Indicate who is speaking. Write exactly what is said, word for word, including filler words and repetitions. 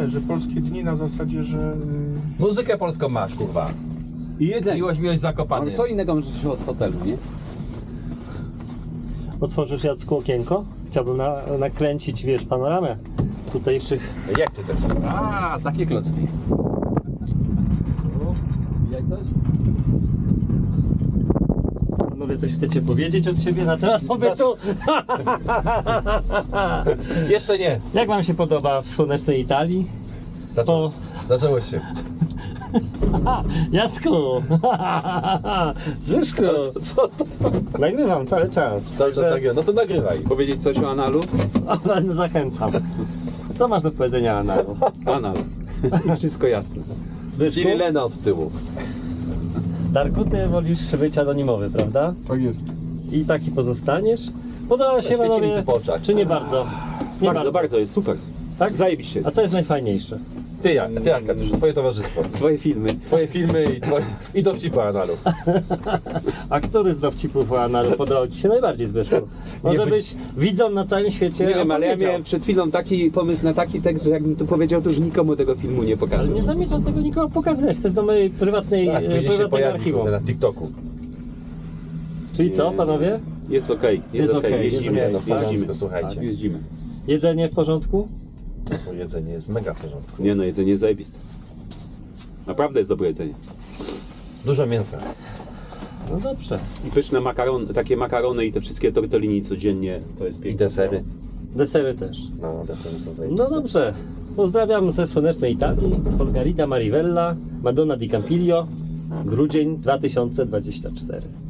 Speaker 1: nie, że polskie dni na zasadzie, że...
Speaker 2: Muzykę polską masz, kurwa.
Speaker 3: I jedzenie.
Speaker 2: Miłość, miłość Zakopany.
Speaker 3: Ale co innego może się od hotelu, nie?
Speaker 4: Otworzysz, Jacku, okienko? Chciałbym na, nakręcić, wiesz, panoramę tutejszych.
Speaker 2: Jak ty też?
Speaker 3: A, takie klocki. Widać coś?
Speaker 4: Panowie, coś chcecie powiedzieć od siebie na temat pobytu?
Speaker 2: Jeszcze nie.
Speaker 4: Jak wam się podoba w słonecznej Italii?
Speaker 2: Zaczęło, zaczęło się.
Speaker 4: Aha, Jacku! Zbyszku!
Speaker 2: Co to?
Speaker 4: Nagrywam cały czas.
Speaker 2: Cały czas nagrywam. No to nagrywaj.
Speaker 3: Powiedzieć coś o analu?
Speaker 4: Zachęcam. Co masz do powiedzenia, Anaru?
Speaker 3: Anal. Wszystko jasne.
Speaker 4: Zbyszku?
Speaker 2: Czyli Lena od tyłu.
Speaker 4: Darku, ty wolisz być anonimowy, prawda?
Speaker 1: Tak jest.
Speaker 4: I taki pozostaniesz? Podoba się,
Speaker 2: Świeci mi
Speaker 4: panowie,
Speaker 2: tu po oczach.
Speaker 4: czy nie bardzo? Nie
Speaker 3: Bardzo, bardzo, jest super.
Speaker 4: Tak?
Speaker 3: Zajebiście
Speaker 4: A
Speaker 3: jest.
Speaker 4: co jest najfajniejsze?
Speaker 2: Ty jak, ty jak, Katiusz, twoje towarzystwo.
Speaker 3: Twoje filmy.
Speaker 2: Twoje filmy i, twoje, i dowcipy analu.
Speaker 4: A który z dowcipów o Anaru podobał ci się najbardziej, Zbyszku? Może
Speaker 2: Nie
Speaker 4: byś widzom na całym świecie
Speaker 3: Nie wiem, ale ja
Speaker 4: opowiedział.
Speaker 3: miałem przed chwilą taki pomysł na taki tekst, że jakbym to powiedział, to już nikomu tego filmu nie pokażę.
Speaker 4: Ale nie zamierzam tego nikogo pokazywać, to jest do mojej prywatnej,
Speaker 2: Tak,
Speaker 4: e,
Speaker 2: później się
Speaker 4: prywatnego
Speaker 2: pojawi
Speaker 4: archiwum.
Speaker 2: na TikToku.
Speaker 4: Czyli co, panowie?
Speaker 3: Jest okej, jest,
Speaker 4: Jest
Speaker 3: okej,
Speaker 4: okej,
Speaker 3: jeździmy,
Speaker 4: jest
Speaker 2: no, w
Speaker 3: jeździmy.
Speaker 2: porządku, słuchajcie.
Speaker 3: Jeździmy.
Speaker 4: Jedzenie w porządku?
Speaker 2: Bo jedzenie jest mega w porządku.
Speaker 3: Nie no, jedzenie jest zajebiste. Naprawdę jest dobre jedzenie.
Speaker 2: Dużo mięsa.
Speaker 4: No dobrze.
Speaker 3: I pyszne makaron, takie makarony i te wszystkie tortellini codziennie, to jest
Speaker 2: I
Speaker 3: piękne.
Speaker 2: desery.
Speaker 4: Desery też.
Speaker 2: No, desery są
Speaker 4: No
Speaker 2: zajebiste.
Speaker 4: dobrze. Pozdrawiam ze słonecznej Italii. Margarida Marivella, Madonna di Campiglio, grudzień dwa tysiące dwudziesty czwarty.